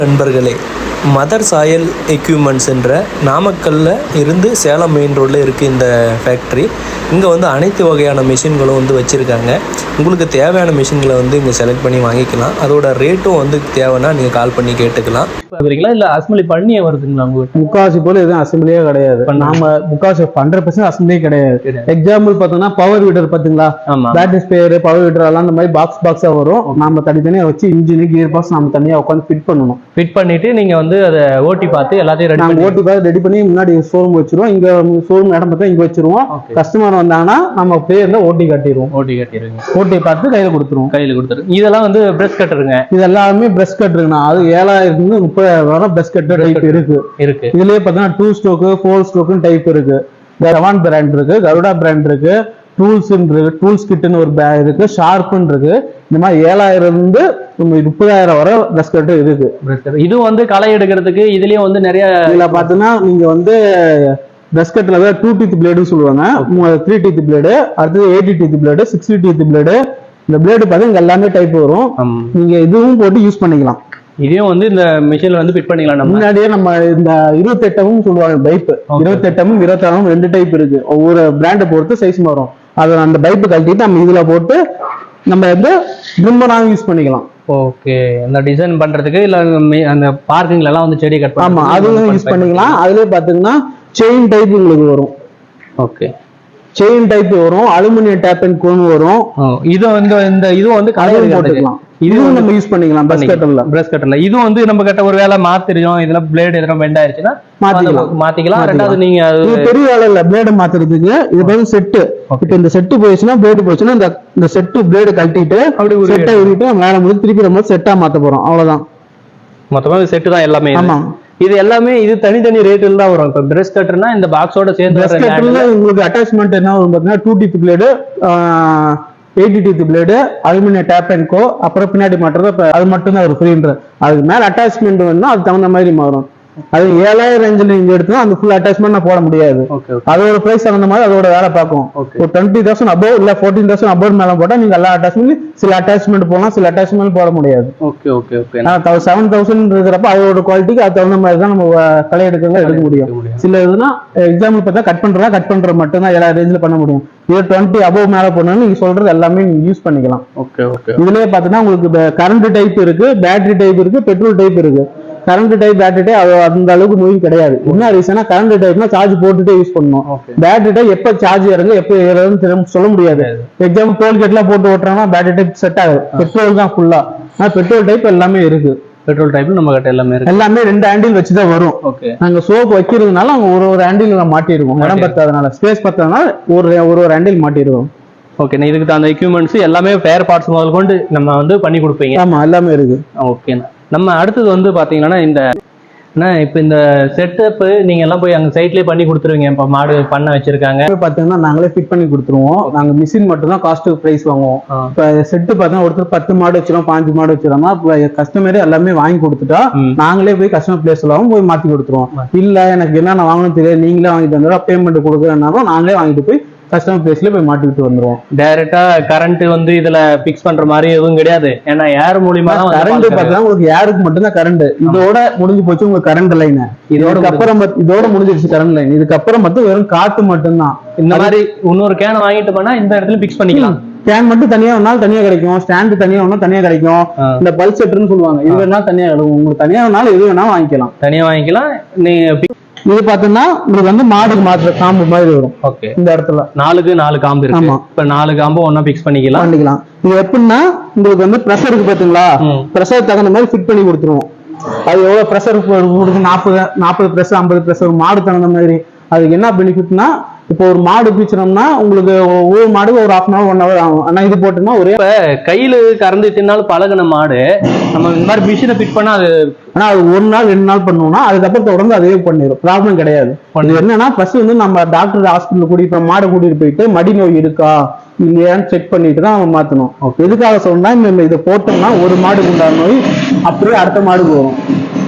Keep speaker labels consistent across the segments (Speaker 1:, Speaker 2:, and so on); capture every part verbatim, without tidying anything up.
Speaker 1: நண்பர்களே, மதர் சாயல் எக்யூப்மெண்ட்ஸ் என்ற நாமக்கல்லில் இருந்து சேலம் மெயின் ரோடில் இருக்குது இந்த ஃபேக்ட்ரி. இங்கே வந்து அனைத்து வகையான மிஷின்களும் வந்து வச்சுருக்காங்க. உங்களுக்கு தேவையான மிஷின்களை வந்து இங்கே செலக்ட் பண்ணி வாங்கிக்கலாம். அதோட ரேட்டும் வந்து தேவைன்னா நீங்கள் கால் பண்ணி கேட்டுக்கலாம்.
Speaker 2: இல்லை அசம்பிளி பண்ணியே வருதுங்களா உங்களுக்கு?
Speaker 3: முக்காவாசி போல எதுவும் அசம்பிளியே கிடையாது. நாம முக்காவாசி ஹண்ட்ரட் பர்சன்ட் அசம்பிளியே கிடையாது. எக்ஸாம்பிள் பார்த்தோம்னா பவர் வீடர் பார்த்தீங்களா, பேட்டரி ஸ்பேர் பவர் வீடர் எல்லாம் இந்த மாதிரி பாக்ஸ் பாக்ஸா வரும். நம்ம தனித்தனியா வச்சு இன்ஜின் கியர் பாக்ஸ் நம்ம தனியா உட்காந்து ஃபிட் பண்ணணும்.
Speaker 2: ஃபிட் பண்ணிட்டு நீங்க வந்து அதை ஓட்டி பார்த்து எல்லாத்தையும் ரெடி பண்ணி
Speaker 3: ஓட்டி பார்த்து ரெடி பண்ணி முன்னாடி ஷோரூம் வச்சிருவோம். இங்க ஷோரூம் இடம் பார்த்தா இங்க வச்சிருவோம். கஸ்டமர் வந்தாங்கன்னா நம்ம பேர்ல ஓட்டி கட்டிடுவோம்.
Speaker 2: ஓட்டி கட்டிடுவோம்.
Speaker 3: ஓட்டி பார்த்து கையில கொடுத்துருவோம்.
Speaker 2: கையில கொடுத்துருவோம். இதெல்லாம் வந்து பிரஷ் கட்டருங்க.
Speaker 3: இது எல்லாமே பிரஷ் கட்டருங்கண்ணா. அது ஏழாயிரத்துல இருந்து முப்பதாயிரம் வரை பிரஷ் கட்டர் டைப் இருக்கு
Speaker 2: இருக்கு
Speaker 3: இதுலயே பார்த்தீங்கன்னா டூ ஸ்ட்ரோக்கு ஃபோர் ஸ்ட்ரோக்குன்னு டைப் இருக்கு. ஜவான் பிராண்ட் இருக்கு, கருடா பிராண்ட் இருக்கு, டூல்ஸ் இருக்கு, டூல்ஸ் கிட்னு ஒரு பேக் இருக்கு, ஷார்ப்னு இருக்கு. இந்த மாதிரி ஏழாயிரம் இருந்து முப்பதாயிரம் வரை பிரஷ் கட்டர் இருக்கு.
Speaker 2: இது வந்து களை எடுக்கிறதுக்கு இதுலயும் வந்து நிறைய
Speaker 3: இதுல பாத்தீங்கன்னா நீங்க வந்து பிரஷ் கட்டர்ல டூ டீத் பிளேடுன்னு சொல்லுவாங்க, த்ரீ டீத் பிளேடு, அடுத்தது eighty teeth blade, sixty teeth blade. இந்த பிளேடு பார்த்தீங்கன்னா எல்லாமே டைப் வரும். நீங்க இதுவும் போட்டு யூஸ் பண்ணிக்கலாம்.
Speaker 2: இதையும் வந்து இந்த மிஷின்ல வந்து ஃபிட் பண்ணிக்கலாம்.
Speaker 3: முன்னாடியே நம்ம இந்த இருபத்தி எட்டமும் சொல்லுவாங்க பைப், இருபத்தி எட்டமும் இருபத்தி ஆறும் ரெண்டு டைப் இருக்கு. ஒவ்வொரு பிராண்டை பொறுத்து சைஸ் மாறும். அதை அந்த பைப்பு கழட்டிட்டு நம்ம இதுல போட்டு நம்ம வந்து ட்ரிம்மராகவும் யூஸ் பண்ணிக்கலாம்.
Speaker 2: ஓகே, அந்த டிசைன் பண்றதுக்கு இல்ல அந்த பார்க்கிங்ல எல்லாம் வந்து செடி கட் பண்ணி
Speaker 3: ஆமா அதுவும் யூஸ் பண்ணிக்கலாம். அதுலயே பாத்தீங்கன்னா செயின் டைப் உங்களுக்கு வரும்.
Speaker 2: ஓகே,
Speaker 3: செயின் டைப் வரும், அலுமினியம் டேப் அண்ட் கோன் வரும்.
Speaker 2: இது வந்து இந்த இதுவும் வந்து கலர்
Speaker 3: போட்டுக்கலாம். இதுவும் நம்ம யூஸ் பண்ணிக்கலாம் பிரஷ் கட்டர்ல.
Speaker 2: பிரஷ் கட்டர்ல இது வந்து நம்ம கட்ட ஒரு வேளை மாத்திரும், இதுல பிளேட் எதனா பெண்ட் ஆயிருச்சுன்னா மாத்திக்கலாம் மாத்திக்கலாம் ரெண்டாவது நீங்க அது
Speaker 3: பெரிய வேலை இல்ல பிளேட் மாத்துறதுக்கு. இது வந்து செட். இப்போ இந்த செட் போயிடுச்சுன்னா பிளேட் போயிடுச்சுன்னா இந்த இந்த செட் பிளேட் கழட்டிட்டு அப்படி செட்டை உருவிட்டு மேல முடிச்சு திருப்பி நம்ம செட்டா மாத்த போறோம். அவ்வளவுதான்.
Speaker 2: மொத்தமா செட்டு தான் எல்லாமே.
Speaker 3: ஆமா,
Speaker 2: இது எல்லாமே இது தனித்தனி ரேட்ல தான் வரும். இப்போ பிரஷ் கட்டர்னா இந்த பாக்ஸோட சேர்ந்து
Speaker 3: பிரஷ் கட்டர்ல உங்களுக்கு அட்டாச்மெண்ட் என்ன வரும் பாத்தீங்கன்னா two teeth blade, eighty teeth blade, aluminium tape and கோ, அப்புறம் பின்னாடி மாட்டுறது அது மட்டும் தான் ஒரு ஃப்ரீன்ற. அதுக்கு மேல அட்டாச்மெண்ட் வேணும்னா அது தகுந்த மாதிரி மாறும். அது ஏழாயிரம் ரேஞ்சில் நீங்க எடுத்தா அந்த ஃபுல் அட்டாச்மெண்ட் நான் போட முடியாது. அதோட பிரைஸ் தகுந்த மாதிரி அதோட வேலை பார்க்கும். ஒரு டுவெண்ட்டி தௌசண்ட் அபவ் இல்ல ஃபோர்டீன் தௌசண்ட் அபவ் மேல போட்டா நீங்க எல்லா அட்டாச்மெண்ட் சில அட்டாச்மெண்ட் போடலாம், சில அட்டாச்மெண்ட் போட முடியாது.
Speaker 2: Okay okay okay.
Speaker 3: Seven thousand இருக்கிறப்ப அதோட குவாலிட்டிக்கு அது தகுந்த மாதிரி தான் நம்ம களை எடுக்கிறதா எடுக்க முடியும். சில இதுனா எக்ஸாம்பிள் பார்த்தா கட் பண்றதா கட் பண்ற மட்டும் தான் ஏழாயிரம் ரேஞ்சில் பண்ண முடியும். இது டுவெண்ட்டி அபவ் மேல போனாலும் நீங்க சொல்றது எல்லாமே நீங்க யூஸ் பண்ணிக்கலாம்.
Speaker 2: Okay okay.
Speaker 3: இதுலயே பாத்தீங்கன்னா உங்களுக்கு கரண்ட் டைப் இருக்கு, பேட்டரி டைப் இருக்கு, பெட்ரோல் டைப் இருக்கு. கரண்ட் டைப் பேட்டரி டைப் அந்த அளவுக்கு மூவிங் கிடையாது. என்ன ரீசனா கரண்ட் டைப்னா சார்ஜ் போட்டுட்டே யூஸ் பண்ணணும். பேட்டரி டைப் எப்ப சார்ஜ் இறங்கு எப்ப ஏறுதுன்னு சொல்ல முடியாது. எக்ஸாம்பிள் டோல்கேட் எல்லாம் போட்டு ஓட்டுறோம்னா பேட்டரி டைப் செட் ஆகுது. பெட்ரோல் தான் ஃபுல்லா. ஆனா பெட்ரோல் டைப் எல்லாமே இருக்கு.
Speaker 2: பெட்ரோல் டைப் நம்ம கிட்ட எல்லாமே இருக்கு.
Speaker 3: எல்லாமே ரெண்டு ஹேண்டில் வச்சுதான் வரும். நாங்க சோப் வைக்கிறதுனால அங்க ஒரு ஒரு ஹேண்டில் மாட்டிருக்கோம். இடம் பத்தாதனால ஸ்பேஸ் பத்தாதனால ஒரு ஒரு ஒரு ஹேண்டில் மாட்டிருக்கோம்.
Speaker 2: ஓகே, இதுக்கு தகுந்த எக்யூப்மெண்ட்ஸ் எல்லாமே ஃபேர் பார்ட்ஸ் முதல் கொண்டு நம்ம வந்து பண்ணி கொடுப்பீங்க.
Speaker 3: ஆமா எல்லாமே இருக்கு.
Speaker 2: ஓகேண்ணா. நம்ம அடுத்தது வந்து பாத்தீங்கன்னா இந்த இப்போ இந்த செட்டப்பு நீங்க எல்லாம் போய் அங்க சைட்லயே பண்ணி கொடுத்துருவீங்க. இப்போ மாடு பண்ண வச்சிருக்காங்க
Speaker 3: பாத்தீங்கன்னா நாங்களே ஃபிட் பண்ணி கொடுத்துருவோம். நாங்க மிஷின் மட்டும் தான் காஸ்ட் பிரைஸ் வாங்குவோம். இப்போ செட்டு பார்த்தா ஒருத்தர் பத்து மாடு வச்சிரும், பாஞ்சு மாடு வச்சிரோம்னா கஸ்டமரே எல்லாமே வாங்கி கொடுத்துட்டா நாங்களே போய் கஸ்டமர் பிளேஸ்லாம் போய் மாத்தி கொடுத்துருவோம். இல்ல எனக்கு என்னென்ன வாங்கணும் தெரியாது நீங்களே வாங்கிட்டு வந்துடும், பேமெண்ட் கொடுக்குறேன்னாலும் நாங்களே வாங்கிட்டு போய் கஸ்டமர் பிளேஸ்ல போய் மாட்டிட்டு வந்துருவோம்.
Speaker 2: டைரக்டா கரண்ட் வந்து இதுல பிக்ஸ் பண்ற மாதிரி எதுவும் கிடையாது. ஏன்னா ஏர் மூலியமா தான்
Speaker 3: கரண்ட் பார்த்தா உங்களுக்கு ஏருக்கு மட்டும் தான் கரண்ட். இதோட முடிஞ்சு போச்சு உங்களுக்கு கரண்ட் லைன். இதோட அப்புறம் இதோட முடிஞ்சிருச்சு கரண்ட் லைன். இதுக்கப்புறம் மட்டும் வெறும் காத்து மட்டும்தான்.
Speaker 2: இந்த மாதிரி இன்னொரு கேனை வாங்கிட்டு போனா இந்த இடத்துல பிக்ஸ் பண்ணிக்கலாம்.
Speaker 3: கேன் மட்டும் தனியா வேணாலும் தனியா கிடைக்கும், ஸ்டாண்டு தனியா வேணாலும் தனியா கிடைக்கும். இந்த பல்ஸ் செட்டர்னு சொல்லுவாங்க, இது வேணாலும் தனியா கிடைக்கும். உங்களுக்கு தனியா வேணாலும் எது வேணாலும் வாங்கிக்கலாம்.
Speaker 2: தனியா வாங்கிக்கலாம். நீங்க
Speaker 3: இது பாத்தீங்கன்னா உங்களுக்கு வந்து மாடுக்கு மாத்திர காம்பு மாதிரி வரும்.
Speaker 2: ஓகே,
Speaker 3: இந்த இடத்துல
Speaker 2: நாலுக்கு நாலு காம்பு இருக்கு. ஆமா, இப்ப நாலு காம்பு ஒன்னா பிக்ஸ் பண்ணிக்கலாம்
Speaker 3: பண்ணிக்கலாம். இது எப்படின்னா உங்களுக்கு வந்து ப்ரெஷருக்கு பாத்தீங்களா, ப்ரெஷர் தகுந்த மாதிரி ஃபிட் பண்ணி கொடுத்துருவோம். அது எவ்வளவு ப்ரெஷர் கொடுக்கு நாற்பது நாற்பது ப்ரெஷர் ஐம்பது ப்ரெஷர் மாடு தகுந்த மாதிரி. அதுக்கு என்ன பெனிஃபிட்னா இப்போ ஒரு மாடு பீச்சினோம்னா உங்களுக்கு ஒவ்வொரு மாடு ஒரு half an hour one hour ஆகும். ஆனா இது போட்டோம்னா ஒரே
Speaker 2: கையில கறந்து தின்னாலும் பழகின மாடு நம்ம இந்த மாதிரி மிஷினை ஃபிட் பண்ணா அது
Speaker 3: ஆனா அது ஒரு நாள் ரெண்டு நாள் பண்ணோம்னா அதுக்கப்புறம் தொடர்ந்து அதே பண்ணிடும், ப்ராப்ளம் கிடையாது. என்னன்னா ஃபர்ஸ்ட் வந்து நம்ம டாக்டர் ஹாஸ்பிட்டல் கூட்டிட்டு மாடை கூட்டிட்டு போயிட்டு மடி நோய் இருக்கா இல்லையான்னு செக் பண்ணிட்டு தான் அவன் மாத்தணும். எதுக்காக சொன்னா இந்த இதை போட்டோம்னா ஒரு மாடுக்கு உண்டான நோய் அப்படியே அடுத்த மாடுக்கு வரும்.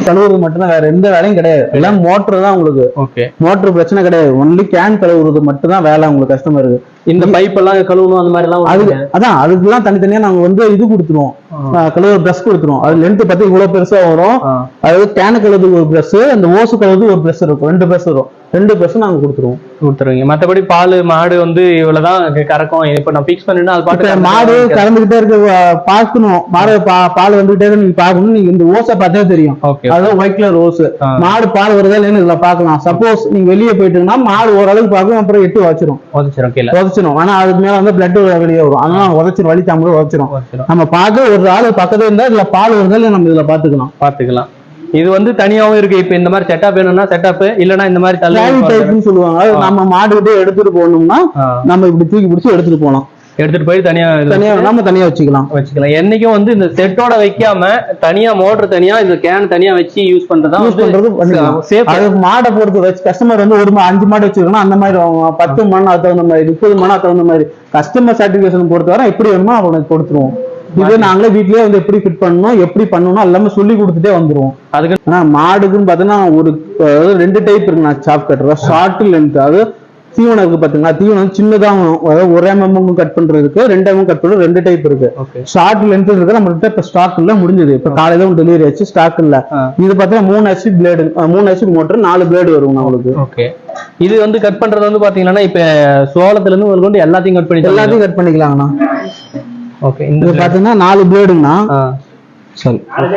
Speaker 3: கழுவுறது மட்டும் தான், வேற எந்த வேலையும் கிடையாது. எல்லாம் மோட்டர் தான் உங்களுக்கு.
Speaker 2: ஓகே,
Speaker 3: மோட்டர் பிரச்சனை கிடையாது. ஒன்லி கேன் கழுவுறது மட்டும் தான் வேலை உங்களுக்கு கஸ்டமருக்கு.
Speaker 2: இந்த பைப் எல்லாம் கழுவணும் அந்த மாதிரி எல்லாம்
Speaker 3: அது அதான் அதுக்கெல்லாம் தனித்தனியா நாங்க வந்து இது கொடுத்துருவோம், கழுவு பிரஷ் கொடுத்துருவோம். அது லென்த் பத்தி இவ்வளவு பெருசா வரும். அதாவது கேன கழுவுக்கு ஒரு பிரஷ், அந்த ஓசு கழுவுக்கு ஒரு பிரஷ் இருக்கும், ரெண்டு பிரஷ் வரும். ரெண்டு பிரஷ் நாங்க கொடுத்துருவோம்
Speaker 2: கொடுத்துருவீங்க. மற்றபடி பால் மாடு வந்து இவ்வளவுதான் கறக்கும். இப்ப நான் பிக்ஸ் பண்ணினா அது பாட்டு
Speaker 3: மாடு கறந்துகிட்டே இருக்கு, பார்க்கணும். மாடு பால் வந்துகிட்டே இருக்கு, நீங்க பாக்கணும். நீங்க இந்த ஓசை பார்த்தே தெரியும், அதுதான் ஒயிட் கலர் ஓசு. மாடு பால் வருதா இல்லைன்னு இதுல பாக்கலாம். சப்போஸ் நீங்க வெளியே போயிட்டீங்கன்னா மாடு ஓரளவுக்கு பார்க்கும், அப்புறம் எட்டு வச்சிரும்
Speaker 2: உதச்சிரும் கீழே
Speaker 3: உதச்சிரும். ஆனா அதுக்கு மேல வந்து பிளட் வெளியே வரும், அதனால உதச்சிரும், வலி தாமரை உதச்சிரும். நம்ம பார்க்க ஒரு ஆள் பக்கத்துல இருந்தா இதுல பால் வருதா இல்லை நம்ம இதுல பாத்துக்கலாம்
Speaker 2: பாத்துக்கலாம். இது வந்து தனியாவும் இருக்கு. இப்ப இந்த மாதிரி செட்டப் வேணும்னா செட்டப், இல்லன்னா இந்த மாதிரி தள்ளி
Speaker 3: சொல்லுவாங்க. நம்ம மாடு கிட்டே எடுத்துட்டு போகணும்னா நம்ம இப்படி தூக்கி பிடிச்சி எடுத்துட்டு போகலாம்.
Speaker 2: எடுத்துட்டு போய் தனியா
Speaker 3: தனியா நம்ம தனியா வச்சுக்கலாம்
Speaker 2: வச்சுக்கலாம். என்னைக்கும் வந்து இந்த செட்டோட வைக்காம தனியா மோட்டர் தனியா இந்த கேன் தனியா வச்சு யூஸ் பண்றதா யூஸ் பண்றது.
Speaker 3: மாடை பொறுத்து வச்சு கஸ்டமர் வந்து ஒரு அஞ்சு மாடு வச்சிருக்கணும், அந்த மாதிரி பத்து மணி அது தகுந்த மாதிரி, முப்பது மணி அது தகுந்த மாதிரி கஸ்டமர் சர்டிபிகேஷன் பொறுத்தவரை எப்படி வேணுமோ அவனுக்கு கொடுத்துருவோம். இது நாங்களே வீட்லயே வந்து எப்படி ஃபிட் பண்ணணும், எப்படி பண்ணணும் எல்லாமே சொல்லி கொடுத்துட்டே வந்துருவோம். அதுக்கு ஆனா மாடுக்குன்னு பாத்தீங்கன்னா ஒரு ரெண்டு டைப் இருக்கு. நான் சாப் கட்டுறேன், ஷார்ட் லென்த். அது தீவனம் இருக்கு பாத்தீங்களா, தீவனம் சின்னதாக ஒரு எம்எம் கட் பண்றதுக்கு, ரெண்டு எம்எம் கட் பண்றது ரெண்டு டைப் இருக்கு. ஷார்ட் லென்த் இருக்கு நம்ம கிட்ட இப்ப ஸ்டாக் இல்ல, முடிஞ்சது. இப்ப காலையில டெலிவரி ஆச்சு, ஸ்டாக் இல்ல. இது பாத்தீங்கன்னா மூணு ஹெச்பி பிளேடு, மூணு ஹெச்பி மோட்டர், நாலு பிளேடு வரும் நம்மளுக்கு.
Speaker 2: ஓகே, இது வந்து கட் பண்றது வந்து பாத்தீங்கன்னா இப்ப சோளத்துல இருந்து கொண்டு எல்லாத்தையும் கட் பண்ணி
Speaker 3: எல்லாத்தையும் கட் பண்ணிக்கலாங்கண்ணா.
Speaker 2: ஓகே,
Speaker 3: இது பாத்தீங்கன்னா நாலு பிளேடுங்கண்ணா. சரி,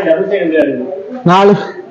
Speaker 3: நாலு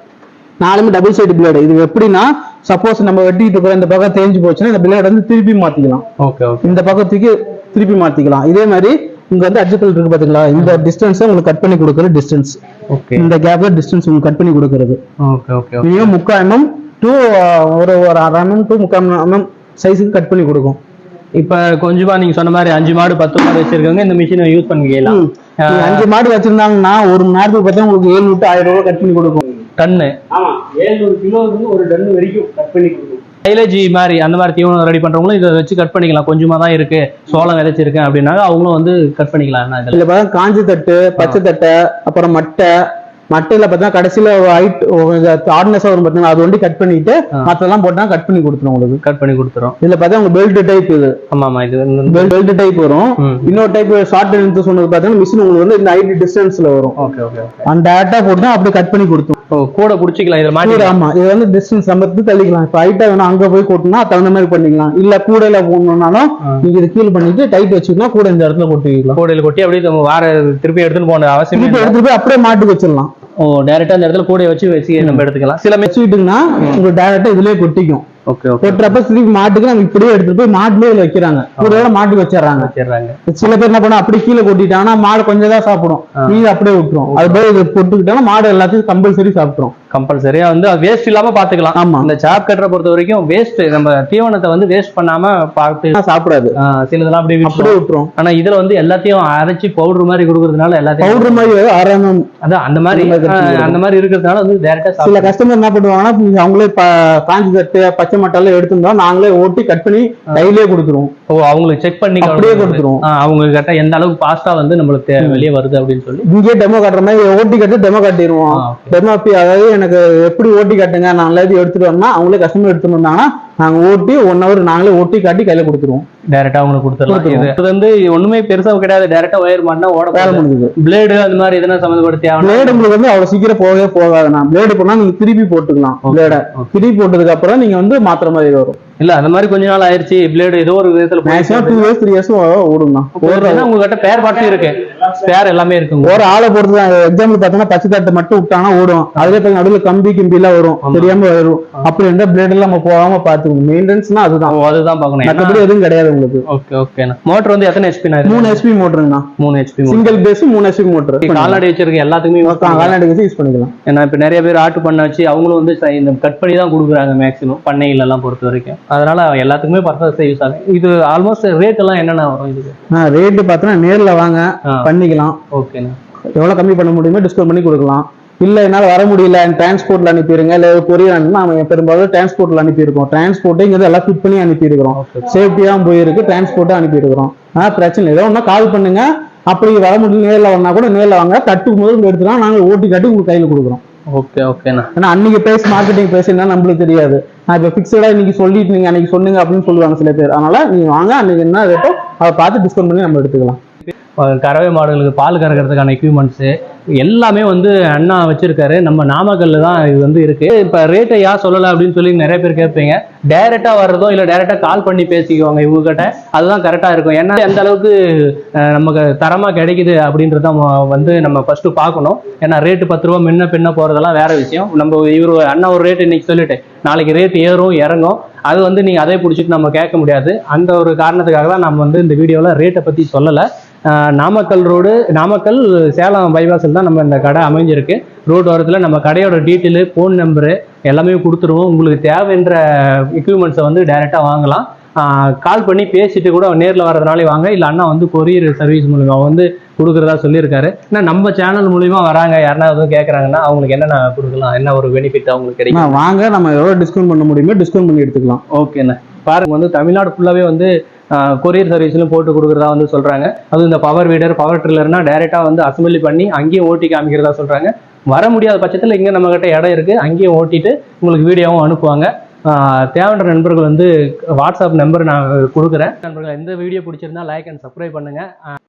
Speaker 3: நாலுமே டபுள் சைடு பிளேடு. இது எப்படின்னா சப்போஸ் நம்ம வெட்டிட்டு இருக்கிற இந்த பக்கம் தேஞ்சு போச்சுன்னா இந்த பிளேட் வந்து திருப்பி மாத்திக்கலாம்.
Speaker 2: ஓகே ஓகே,
Speaker 3: இந்த பக்கத்துக்கு திருப்பி மாத்திக்கலாம். இதே மாதிரி இங்க வந்து அட்ஜஸ்டபிள் இருக்கு பாத்தீங்களா, இந்த டிஸ்டன்ஸ் உங்களுக்கு கட் பண்ணி கொடுக்குற டிஸ்டன்ஸ்.
Speaker 2: ஓகே,
Speaker 3: இந்த கேப்ல டிஸ்டன்ஸ் உங்களுக்கு கட் பண்ணி கொடுக்கிறது.
Speaker 2: ஓகே ஓகே,
Speaker 3: மினிமம் முக்கால் எம்எம் டு ஒரு ஒரு அரை எம்எம் டு முக்கால் எம்எம் சைஸுக்கு கட் பண்ணி கொடுக்கும்.
Speaker 2: இப்ப கொஞ்சமா நீங்க சொன்ன மாதிரி அஞ்சு மாடு பத்து மாடு வச்சிருக்கவங்க இந்த மிஷினை யூஸ் பண்ணிக்கலாம்.
Speaker 3: அஞ்சு மாடு வச்சிருந்தாங்கன்னா ஒரு மணி நேரத்துக்கு பார்த்தா உங்களுக்கு ஏழு விட்டு ஆயிரம் ரூபாய் கட் பண்ணி கொடுக்கும்.
Speaker 2: டன்னு
Speaker 3: ஏழுநூறு கிலோ வந்து ஒரு டன் வரைக்கும் கட் பண்ணி கொடுக்கும்.
Speaker 2: மைலேஜ் மாதிரி அந்த மாதிரி தீவனம் ரெடி பண்றவங்களும் இதை வச்சு கட் பண்ணிக்கலாம். கொஞ்சமா தான் இருக்கு, சோளம் விதைச்சிருக்கேன் அப்படின்னா அவங்களும் வந்து கட் பண்ணிக்கலாம். இதுல
Speaker 3: பார்த்தா காஞ்சி தட்டு, பச்சை தட்டை, அப்புறம் மட்டை. மட்டையில பார்த்தா கடைசியில ஹைட் ஹார்ட்னஸ் வரும் பார்த்தீங்கன்னா அது ஒண்டி கட் பண்ணிட்டு மற்றெல்லாம் போட்டா கட் பண்ணி கொடுத்துரும் உங்களுக்கு.
Speaker 2: கட் பண்ணி கொடுத்துரும்.
Speaker 3: இதுல பார்த்தா உங்களுக்கு பெல்ட் டைப் இது.
Speaker 2: ஆமா ஆமா, இது
Speaker 3: பெல்ட் டைப் வரும். இன்னொரு டைப் ஷார்ட் லென்த் சொன்னது பார்த்தீங்கன்னா மிஷின் உங்களுக்கு வந்து இந்த ஹைட் டிஸ்டன்ஸ்ல வரும்.
Speaker 2: ஓகே ஓகே,
Speaker 3: அந்த டேட்டா போட்டு அப்படியே கட் பண்ணி கொடுத்துரும்.
Speaker 2: கூட புடிச்சிக்கலாம் இதுல மாட்டி.
Speaker 3: ஆமா, இது வந்து டிஸ்டன்ஸ் நம்ம தள்ளிக்கலாம். இப்ப ஹைட்டா வேணும் அங்க போய் கொட்டினா தகுந்த மாதிரி பண்ணிக்கலாம். இல்ல கூடையில போடணும்னாலும் நீங்க இது கீழ் பண்ணிட்டு டைட் வச்சுக்கலாம், கூட இந்த இடத்துல கொட்டிக்கலாம்.
Speaker 2: கூடையில கொட்டி அப்படியே நம்ம வார திருப்பி எடுத்துட்டு போன அவசியம்
Speaker 3: இல்லை, எடுத்துட்டு போய் அப்படியே மாட்டுக்கு வச்சிடலாம்.
Speaker 2: ஓ, டைரக்டா அந்த இடத்துல கூடைய வச்சு வச்சு நம்ம எடுத்துக்கலாம். சில
Speaker 3: வச்சுக்கிட்டீங்கன்னா உங்களுக்கு டைரக்டா இதுலயே கொட்டிக்கும்.
Speaker 2: ஓகே ஓகே,
Speaker 3: கொட்டுறப்ப திருப்பி மாட்டுக்கு நம்ம இப்படியே எடுத்துட்டு போய் மாட்டுலயே வைக்கிறாங்க, கூடையோட மாட்டுக்கு வச்சிடறாங்க
Speaker 2: வச்சிடறாங்க.
Speaker 3: சில பேர் என்ன பண்ணா அப்படி கீழே கொட்டிட்டாங்கன்னா மாடு கொஞ்சம் தான் சாப்பிடும், மீது அப்படியே விட்டுரும். அது போய் இது போட்டுக்கிட்டாங்கன்னா மாடு எல்லாத்தையும் கம்பல்சரி சாப்பிட்டுரும்.
Speaker 2: கம்பல்சரியா வந்து வேஸ்ட் இல்லாம பாத்துக்கலாம்.
Speaker 3: ஆமா,
Speaker 2: இந்த சாப் கட்டரை பொறுத்த வரைக்கும் வேஸ்ட் நம்ம தீவனத்தை வந்து வேஸ்ட் பண்ணாம பார்த்து
Speaker 3: சாப்பிடாது.
Speaker 2: சிலதெல்லாம் அப்படியே
Speaker 3: அப்படியே விட்டுரும்.
Speaker 2: ஆனா இதுல வந்து எல்லாத்தையும் அரைச்சி பவுடர் மாதிரி கொடுக்கறதுனால எல்லாத்தையும்
Speaker 3: பவுடர் மாதிரி ஆரம்பம்
Speaker 2: அதான் அந்த மாதிரி அந்த மாதிரி இருக்கிறதுனால வந்து டைரக்டா
Speaker 3: சில கஸ்டமர் என்ன பண்ணுவாங்கன்னா அவங்களே காஞ்சி தட்டு பச்சை மட்டால எடுத்துருந்தோம் நாங்களே ஓட்டி கட் பண்ணி கையிலேயே கொடுத்துருவோம்.
Speaker 2: ஓ, அவங்களுக்கு செக் பண்ணி
Speaker 3: அப்படியே கொடுத்துருவோம்.
Speaker 2: அவங்க கரெக்டா எந்த அளவுக்கு பாஸ்டா வந்து நம்மளுக்கு வெளியே வருது அப்படின்னு சொல்லி
Speaker 3: இங்கே டெமோ காட்டுற மாதிரி ஓட்டி கட்டு டெமோ காட்டிடுவோம். டெமோ அதாவது எனக்கு எப்படி ஓட்டி காட்டுங்க நான் எல்லாத்தையும் எடுத்துட்டு வரணும், அவங்களே கஸ்டமர் எடுத்துட்டு வந்தாங்கன்னா நாங்க ஓட்டி ஒன் ஹவர் நாங்களே ஓட்டி காட்டி கையில கொடுத்துருவோம்.
Speaker 2: டைரக்டா அவங்களுக்கு கொடுத்துருவோம். இது வந்து ஒண்ணுமே பெருசா கிடையாது, டைரக்டா ஒயர் மாட்டினா ஓட வேலை முடியுது. பிளேடு அந்த மாதிரி எதனா சம்மந்தப்படுத்தி
Speaker 3: பிளேடு உங்களுக்கு வந்து அவ்வளவு சீக்கிரம் போகவே போகாதுண்ணா. பிளேடு போனா நீங்க திருப்பி போட்டுக்கலாம். பிளேட திருப்பி போட்டதுக்கு அப்புறம் நீங்க வந்து மாத்திர மாதிரி வரும்.
Speaker 2: இல்ல அந்த மாதிரி கொஞ்ச நாள் ஆயிருச்சு பிளேடு ஏதோ ஒரு விதத்துல
Speaker 3: maximum two years three years ஓடும்ண்ணா.
Speaker 2: உங்ககிட்ட பேர் பார்ட்டும் இருக்கு, பேர் எல்லாமே இருக்கு.
Speaker 3: ஒரு ஆளை பொறுத்து தான். எக்ஸாம்பிள் பாத்தீங்கன்னா பச்சை தட்டை மட்டும் விட்டானா ஓடும், அதுல போய் நடுவில் கம்பி கிம்பி எல்லாம் வரும், தெரியாம வரும். அப்படி இருந்தா பிளேட் எல்லாம் நம்ம போகாம பாத்துக்கணும். மெயின்டெனன்ஸ்னா அதுதான் அதுதான் பாக்கணும். மற்றபடி எதுவும் கிடையாது உங்களுக்கு.
Speaker 2: Okay okay. மோட்டர் வந்து எத்தனை ஹெச்பி?
Speaker 3: மூணு ஹெச்பி மோட்டருங்கண்ணா.
Speaker 2: மூணு ஹெச்பி
Speaker 3: சிங்கிள் பேஸ் மூணு ஹெச்பி மோட்டர்.
Speaker 2: கால்நடை வச்சிருக்க எல்லாத்துக்குமே
Speaker 3: கால்நடை வச்சு யூஸ் பண்ணிக்கலாம்.
Speaker 2: ஏன்னா இப்ப நிறைய பேர் ஆட்டு பண்ண வச்சு அவங்களும் வந்து இந்த கட் பண்ணி தான் கொடுக்குறாங்க மேக்ஸிமம் பண்ணைகள் எல்லாம் பொறுத்த வரைக்கும். அதனால எல்லாத்துக்குமே பர்பஸ் யூஸ் ஆகும். இது ஆல்மோஸ்ட் ரேட் எல்லாம் என்னென்ன வரும் இதுக்கு?
Speaker 3: ரேட் பார்த்தோன்னா நேர்ல வாங்க பண்ணிக்கலாம்.
Speaker 2: ஓகேண்ணா,
Speaker 3: எவ்வளவு கம்மி பண்ண முடியுமோ டிஸ்கவுண்ட் பண்ணி கொடுக்கலாம். இல்ல என்னால வர முடியல டிரான்ஸ்போர்ட்ல அனுப்பிடுங்க, இல்ல கொரியர் நம்ம பெரும்பாலும் டிரான்ஸ்போர்ட்ல அனுப்பியிருக்கோம். டிரான்ஸ்போர்ட்டுங்கிறது எல்லாம் ஃபிட் பண்ணி அனுப்பியிருக்கிறோம். சேஃப்டியா போயிருக்கு, டிரான்ஸ்போர்ட்டா அனுப்பியிருக்கிறோம். ஆனா பிரச்சனை ஏதோ ஒன்னா கால் பண்ணுங்க. அப்படி வர முடியல நேரில் வந்தா கூட நேரில் வாங்க, தட்டு முதல் எடுத்துக்கலாம், நாங்கள் ஓட்டி காட்டி உங்களுக்கு கையில் கொடுக்குறோம்.
Speaker 2: ஓகே ஓகேண்ணா.
Speaker 3: ஏன்னா அன்னைக்கு பேஸ் மார்க்கெட்டிங் பேசுனா நம்மளுக்கு தெரியாது. நான் இப்போ ஃபிக்ஸடா இன்னைக்கு சொல்லிட்டு நீங்க அன்னைக்கு சொன்னீங்க அப்படின்னு சொல்லுவாங்க சில பேர். அதனால நீங்க வாங்க, அன்னைக்கு என்ன ரேட்டோ அதை பார்த்து டிஸ்கவுண்ட் பண்ணி நம்ம எடுத்துக்கலாம்.
Speaker 2: கறவை மாடுகளுக்கு பால் கறக்கிறதுக்கான எக்யூப்மெண்ட்ஸு எல்லாமே வந்து அண்ணா வச்சிருக்காரு. நம்ம நாமக்கல்ல தான் இது வந்து இருக்கு. இப்போ ரேட்டை யார் சொல்லலை அப்படின்னு சொல்லி நிறைய பேர் கேட்பீங்க. டைரக்டா வர்றதோ இல்லை டைரக்டா கால் பண்ணி பேசிக்குவாங்க இவங்க கிட்ட, அதுதான் கரெக்டா இருக்கும். ஏன்னா எந்த அளவுக்கு நமக்கு தரமா கிடைக்குது அப்படின்றத வந்து நம்ம ஃபர்ஸ்ட் பார்க்கணும். ஏன்னா ரேட்டு பத்து ரூபா முன்ன பின்ன போறதெல்லாம் வேற விஷயம். நம்ம இவரு அண்ணா ஒரு ரேட்டு இன்னைக்கு சொல்லிட்டு நாளைக்கு ரேட் ஏறும் இறங்கும், அது வந்து நீங்க அதே பிடிச்சிட்டு நம்ம கேட்க முடியாது. அந்த ஒரு காரணத்துக்காக தான் நம்ம வந்து இந்த வீடியோவில் ரேட்டை பத்தி சொல்லலை. நாமக்கல் ரோடு, நாமக்கல் சேலம் பைபாஸில் தான் நம்ம இந்த கடை அமைஞ்சிருக்கு. ரோடு ஓரத்தில் நம்ம கடையோட டீட்டெயிலு, ஃபோன் நம்பரு எல்லாமே கொடுத்துருவோம். உங்களுக்கு தேவைன்ற எக்யூப்மெண்ட்ஸை வந்து டைரெக்டாக வாங்கலாம். கால் பண்ணி பேசிட்டு கூட நேரில் வர்றதுனாலே வாங்க, இல்லை அண்ணா வந்து கொரியர் சர்வீஸ் மூலிமா வந்து கொடுக்குறதா சொல்லியிருக்காரு. ஏன்னா நம்ம சேனல் மூலிமா வராங்க யாருன்னா எதுவும் கேட்குறாங்கன்னா அவங்களுக்கு என்னென்ன கொடுக்கலாம், என்ன ஒரு பெனிஃபிட் அவங்களுக்கு கிடைக்கும்.
Speaker 3: வாங்க, நம்ம எவ்வளோ டிஸ்கவுண்ட் பண்ண முடியுமோ டிஸ்கவுண்ட் பண்ணி எடுத்துக்கலாம்.
Speaker 2: ஓகேண்ணா. பாருங்க வந்து தமிழ்நாடு ஃபுல்லாகவே வந்து கொரியர் சர்வீஸ்லையும் போட்டு கொடுக்குறதா வந்து சொல்கிறாங்க. அதுவும் இந்த பவர் வீடர், பவர் ட்ரில்லர்னா டைரெக்டாக வந்து அசம்பிளி பண்ணி அங்கேயும் ஓட்டி காமிக்கிறதா சொல்கிறாங்க. வர முடியாத பட்சத்தில் இங்கே நம்மக்கிட்ட இடம் இருக்குது, அங்கேயும் ஓட்டிட்டு உங்களுக்கு வீடியோவும் அனுப்புவாங்க. தேவையான நண்பர்கள் வந்து வாட்ஸ்அப் நம்பர் நான் கொடுக்குறேன். நண்பர்கள் இந்த வீடியோ பிடிச்சிருந்தா லைக் அண்ட் சப்ஸ்கிரைப் பண்ணுங்கள்.